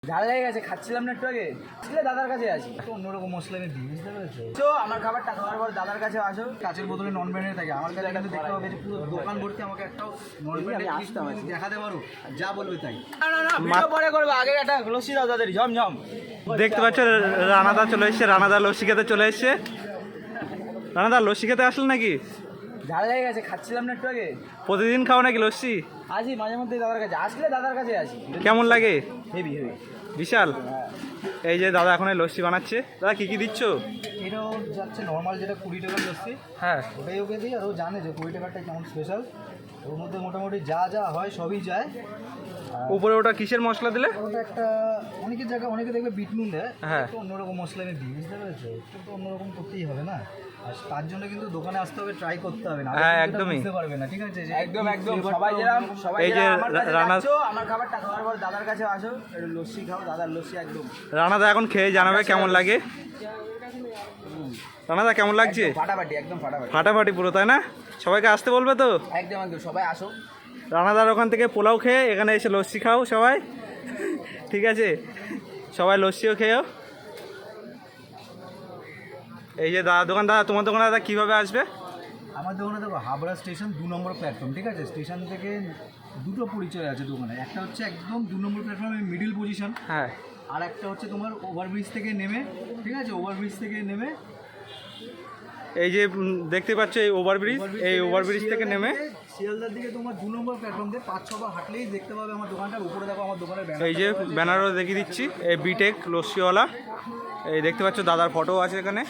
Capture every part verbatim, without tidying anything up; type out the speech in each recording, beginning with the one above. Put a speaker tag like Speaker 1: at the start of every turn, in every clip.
Speaker 1: ঝাল লেগে গেছে, খাচ্ছিলাম না একটু আগে, আসলে দাদার কাছে আসি তো অন্যরকম মশলা আমি দিই, বুঝতে পেরেছো? তো আমার খাবারটা খাওয়ার পর দাদার কাছে আসো, কাঁচের বোতলে নন ব্র্যান্ডের থাকে। আমার কাছে কিন্তু দেখতে হবে যে পুরো দোকান ভর্তি আমাকে একটাও নন ব্র্যান্ডের আসতাম দেখাতে পারো, যা বলবে তাই। না না না, ভিডিও পরে করবো, আগে একটা লস্যি দাও তাদের ঝমঝম।
Speaker 2: দেখতে পাচ্ছ রানাদা চলে এসছে, রানাদা লস্যি খেতে চলে এসছে। রানাদা লস্যি খেতে আসলেন নাকি?
Speaker 1: ঝাল লেগে গেছে, খাচ্ছিলাম না একটু আগে।
Speaker 2: প্রতিদিন খাও নাকি লস্যি?
Speaker 1: আসি মাঝে মধ্যে দাদার কাছে, আসলে দাদার কাছে আসি।
Speaker 2: কেমন লাগে?
Speaker 1: হেভি হেভি
Speaker 2: বিশাল। এই যে দাদা এখন এই লস্যি বানাচ্ছে। দাদা কি কি দিচ্ছ?
Speaker 1: এটাও যাচ্ছে নর্মাল যেটা কুড়ি টাকার লস্যি,
Speaker 2: হ্যাঁ
Speaker 1: ওটাই ওকে দিই। আর ও জানে যে কুড়ি টাকারটা কেমন স্পেশাল, ওর মধ্যে মোটামুটি যা যা হয় সবই যায়।
Speaker 2: উপরে ওটা কিসের মশলা দিলে?
Speaker 1: ওটা একটা অনেকের জায়গায় অনেকে দেখবে বিট নুন দেয়,
Speaker 2: হ্যাঁ।
Speaker 1: একটু অন্যরকম মশলা আমি দিই, বুঝতে পেরেছো? একটু অন্যরকম করতেই হবে না, আর তার জন্য কিন্তু দোকানে আসতে হবে, ট্রাই করতে হবে, না
Speaker 2: হ্যাঁ, একদমই।
Speaker 1: বুঝতে পারবে না, ঠিক আছে?
Speaker 3: একদম একদম সবাই যেরকম সবাই
Speaker 2: এই যে
Speaker 3: যেরকম আমার কাছে
Speaker 2: রানা
Speaker 3: যাচ্ছো, আমার খাবারটা খাওয়ার পর দাদার কাছে আসো, একটু লস্যি খাও, দাদার লস্যি একদম
Speaker 2: রানাদা এখন খেয়ে জানাবে কেমন লাগে। রানাদা কেমন লাগছে?
Speaker 3: ফাটাফাটি, একদম ফাটাফাটি,
Speaker 2: ফাটাফাটি পুরো, তাই না? সবাইকে আসতে বলবে তো?
Speaker 3: একদম একদম সবাই আসো।
Speaker 2: রানাদার ওখান থেকে পোলাও খেয়ে এখানে এসে লস্যি খাও সবাই, ঠিক আছে? সবাই লস্যিও খেয়েও। এই যে দাদা দোকান, দাদা তোমার দোকানে দাদা কীভাবে আসবে?
Speaker 1: আমার দোকানে দেখো হাবড়া স্টেশন দু নম্বর প্ল্যাটফর্ম, ঠিক আছে? স্টেশন থেকে দুটো পরিচয় আছে দোকানে, একটা হচ্ছে একদম দু নম্বর প্ল্যাটফর্মের মিডিল পজিশন,
Speaker 2: হ্যাঁ।
Speaker 1: আর একটা হচ্ছে তোমার ওভারব্রিজ থেকে নেমে, ঠিক আছে? ওভারব্রিজ থেকে নেমে
Speaker 2: এই যে উম, দেখতে পাচ্ছ এই ওভারব্রিজ, এই ওভারব্রিজ থেকে নেমে
Speaker 1: শিয়ালদার দিকে তোমার দু নম্বর প্ল্যাটফর্ম দিয়ে পাঁচ ছবার হাঁটলেই দেখতে পাবে আমার দোকানটার উপরে। দেখো আমার দোকানের ব্যানার,
Speaker 2: এই যে ব্যানারও দেখিয়ে দিচ্ছি, এই বিটেক লস্যিওয়ালা। এই দেখতে পাচ্ছ দাদার ফটো আছে এখানে।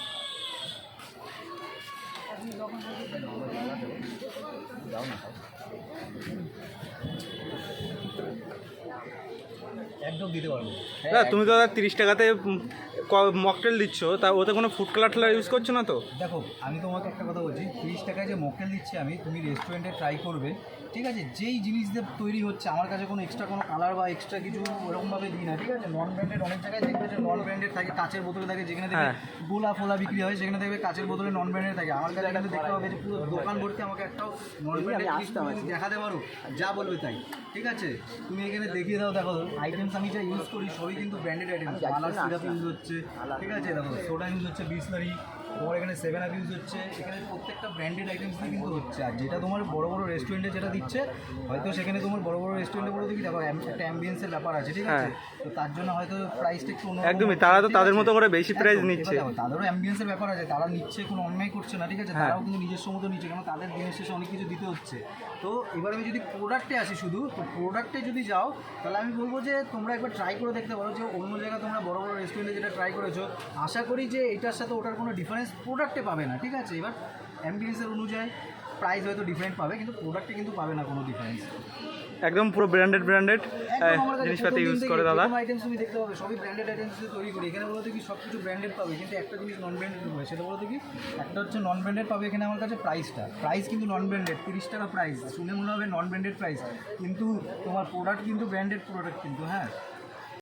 Speaker 1: একদম দিতে পারবো।
Speaker 2: দাদা তুমি তো দাদা তিরিশ টাকাতে মকটেল দিচ্ছ, তা ওতে কোনো ফুড কালার টালার ইউজ করছো না তো?
Speaker 1: দেখো আমি তোমাকে একটা কথা বলছি, তিরিশ টাকায় যে মকটেল দিচ্ছি আমি, তুমি রেস্টুরেন্টে ট্রাই করবে, ঠিক আছে? যেই জিনিস দিয়ে তৈরি হচ্ছে, আমার কাছে কোনো এক্সট্রা কোনো কালার বা এক্সট্রা কিছু ওরকমভাবে দিই না, ঠিক আছে? নন ব্র্যান্ডেড অনেক জায়গায় দেখবে যে নন ব্র্যান্ডেড থাকে, কাচের বোতলে থাকে, যেখানে দেখবে
Speaker 2: হ্যাঁ।
Speaker 1: গোলা ফোলা বিক্রি হয় সেখানে দেখবে কাচের বোতলে নন ব্র্যান্ডেড থাকে। আমার কাছে কিন্তু দেখতে হবে যে পুরো দোকান ভর্তি আমাকে একটাও নন ব্র্যান্ডেড দেখাতে পারো, যা বলবে তাই, ঠিক আছে? তুমি এখানে দেখিয়ে দাও, দেখো আইটেমস আমি যা ইউজ করি সবই কিন্তু ব্র্যান্ডেড আইটেমস। মালার সিরাপ ইউজ হচ্ছে, ঠিক আছে? দেখো সোডা ইউজ হচ্ছে, বিসলারি, তোমার এখানে সেভেন আপ ইউজ হচ্ছে, এখানে প্রত্যেকটা ব্র্যান্ডেড আইটেমস দিয়ে কিন্তু হচ্ছে। আর যেটা তোমার বড় বড় রেস্টুরেন্টে যেটা দিচ্ছে, হয়তো সেখানে তোমার বড় বড় রেস্টুরেন্টে বলে দেখি দেখো একটা অ্যাম্বিয়েন্সের ব্যাপার আছে, ঠিক আছে? তো তার জন্য হয়তো প্রাইসটা একটু অন্য,
Speaker 2: একদমই, তারা তো তাদের মতো করে বেশি প্রাইস নিচ্ছে।
Speaker 1: তাদেরও অ্যাম্বিয়েন্সের ব্যাপার আছে, তারা নিচ্ছে, কোনো অন্যায় করছে না, ঠিক আছে? তারাও কিন্তু নিজস্ব মতো নিচ্ছে, কারণ তাদের দিনের শেষে অনেক কিছু দিতে হচ্ছে। তো এবার আমি যদি প্রোডাক্টে আসি শুধু, তো প্রোডাক্টে যদি যাও তাহলে আমি বলবো যে তোমরা একবার ট্রাই করে দেখতে পারো, যে অন্য জায়গায় তোমরা বড় বড় রেস্টুরেন্টে যেটা ট্রাই করেছো, আশা করি যে এটার সাথে ওটার কোনো ডিফারেন্স প্রোডাক্টে পাবে না, ঠিক আছে? এবার অ্যাম্বিয়েন্সের অনুযায়ী প্রাইস হয়তো ডিফারেন্ট পাবে, কিন্তু প্রোডাক্টে কিন্তু পাবে না কোনো ডিফারেন্স।
Speaker 2: একদম পুরো ব্র্যান্ডেড ব্র্যান্ডেড জিনিসপাতি ইউজ করে দাদা।
Speaker 1: আইটেমস তুমি দেখতে পাবে সবই ব্র্যান্ডেড আইটেমস দিয়ে তৈরি করি। এখানে বলতে কি সব কিছু ব্র্যান্ডেড পাবে, কিন্তু একটা জিনিস নন ব্র্যান্ডেড পাবে, সেটা বলতে কি একটা হচ্ছে নন ব্র্যান্ডেড পাবে এখানে আমার কাছে প্রাইসটা, প্রাইস কিন্তু নন ব্র্যান্ডেড তিরিশ টাকা প্রাইস, শুনে মনে হবে নন ব্র্যান্ডেড প্রাইস, কিন্তু তোমার প্রোডাক্ট কিন্তু ব্র্যান্ডেড প্রোডাক্ট কিন্তু, হ্যাঁ।